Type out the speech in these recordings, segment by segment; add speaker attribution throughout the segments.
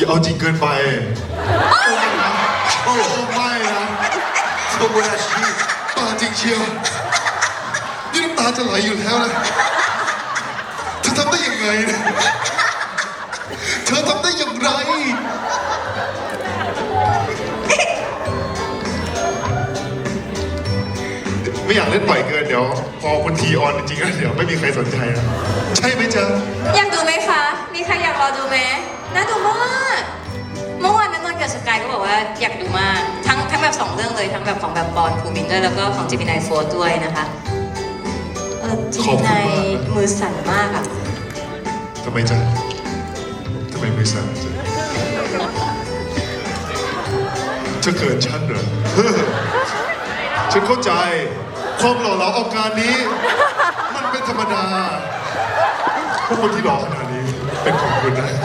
Speaker 1: เอาจริงเกินไปไม่นะโอ้ไม่นะโอ้ยอาชีพตาจริงเชียวนี่น้ำตาจะไหลอยู่แล้วนะเธอทำได้ยังไงเนี่ยเธอทำได้อย่างไรไม่อยากเล่นบ่อยเกินเดี๋ยวพอคุณทีออนจริงๆแล้วเดี๋ยวไม่มีใครสนใจนะใช่ไหมจ๊ะ
Speaker 2: อยากดูไหมคะ มีใครอยากรอดูไหมน่าดูมากเมื่อวานนันนนท์กับสกายก็บอกว่าอยากดูมากทั้งแบบ2 เรื่องเลยทั้งแบบของแบบบอลภูมินด้วยแล้วก็ของเจมินายโฟร์ด้วยนะคะเจมินายมือสั่นมากอ่ะ
Speaker 1: ทำไมจ๊ะทำไมมือสั่นจ๊ะเธอเกินฉันเหรอฉันเข้าใจความหล่อเหลาอาการนี้มันเป็นธรรมดาพวกคนที่หล่อขนาดนี้เป็นของคุณนะ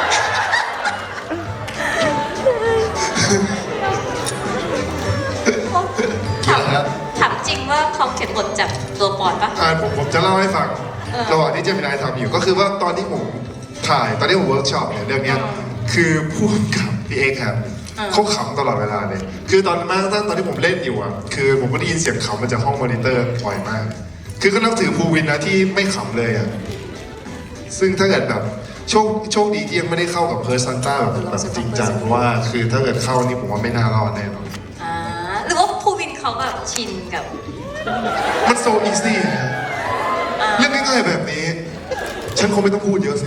Speaker 2: ถามจริงว่าเขาเขียนบทจากตัวปอนปะ
Speaker 1: ผมจะเล่าให้ฟังระหว่างที่เจมินายทำอยู่ก็คือว่าตอนที่ผมถ่ายตอนที่ผมเวิร์กช็อปเนี่ยเรื่องนี้คือผู้กำกับพี่เอกครับเขาขำตลอดเวลาเลยคือตอนที่ผมเล่นอยู่อ่ะคือผมก็ได้ยินเสียงขำมาจากห้องมอนิเตอร์บ่อยมากคือก็นับถือภูวินนะที่ไม่ขำเลยอ่ะซึ่งถ้าเกิดแบบโชคดีที่ยังไม่ได้เข้ากับเพิร์ซันต้าแบบจริงจังเพราะว่าคือถ้าเกิดเข้านี่ผมว่าไม่น่ารอดแน่นอน
Speaker 2: หรือว่าภูวินเขาแบบชินกับ
Speaker 1: มันโซอีซี่เรื่องง่ายๆแบบนี้ฉันคงไม่ต้องพูดเยอะสิ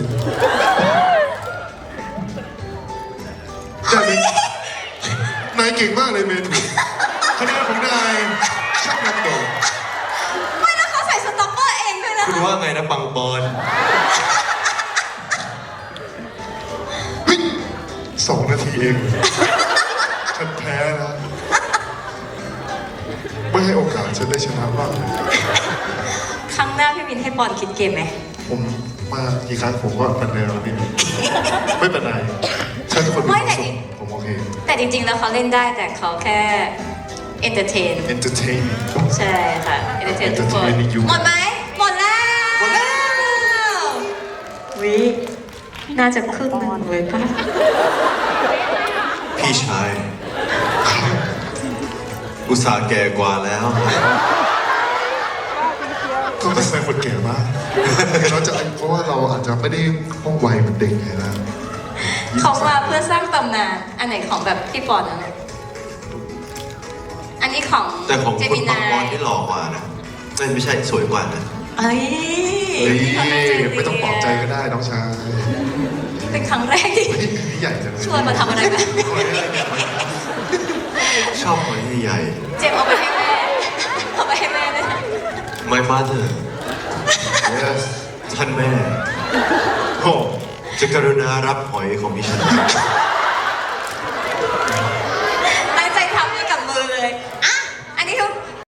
Speaker 1: นายเก่งมากเลยเมนูคะแนนของนายช่างนำโด่
Speaker 2: ไม่แล้วเขาใส่สต็อกเกอร์เองด้วยนะ
Speaker 3: คุณว่าไงนะปังปอน
Speaker 1: เฮ้ย2 นาทีเองฉันแพ้นะไม่ให้โอกาสฉันได้ชนะบ้าง
Speaker 2: ครั้งหน้าพี่มินให้ปอนคิดเกมไหม
Speaker 1: ผมมากี่ครั้งผมก็เป็นแนวนี้ไม่เป็นไรฉันคนมีความสุขผมโอเค
Speaker 2: แต่จริงๆแล้วเขาเล่นได้แต่เขาแค่เอนเตอร์เทนใช่ค่ะเอนเตอร์เทนทุกคนหมดไหมหมดแล้ววิน่าจะครึ่งหนึ่งเลยป่ะ
Speaker 3: พี่ชายอุตส่าห์แก่กว่าแล้ว
Speaker 1: ก็เป็นแฟนคนแก่มากเราจะเพราะว่าเราอาจจะไม่ได้ห้องวัยเหมือนเด็กไงนะ
Speaker 2: เขามาเพื่อสร้างตำนานอันไหนของแบบพี่ปอนนะอันนี้ของ
Speaker 3: แต่ของคุณปังปอนที่หล่อกว่านะไม่ใช่สวยกว่านะ
Speaker 2: เอ้ย
Speaker 1: ไม่ต้องปลอบใจก็ได้น้องชาย
Speaker 2: เป็นครั้งแรกที่
Speaker 1: ใหญ่จัง
Speaker 2: ชวนมาทำอะไรแบบ
Speaker 3: ชอบคนที่ใหญ่
Speaker 2: เจมเอาไปให้แม่เอาไปให้แม่ด้วย
Speaker 3: My mother
Speaker 1: Yes
Speaker 3: ท่านแม่
Speaker 1: โอ้
Speaker 3: จะกรุณารับหอยของดิฉัน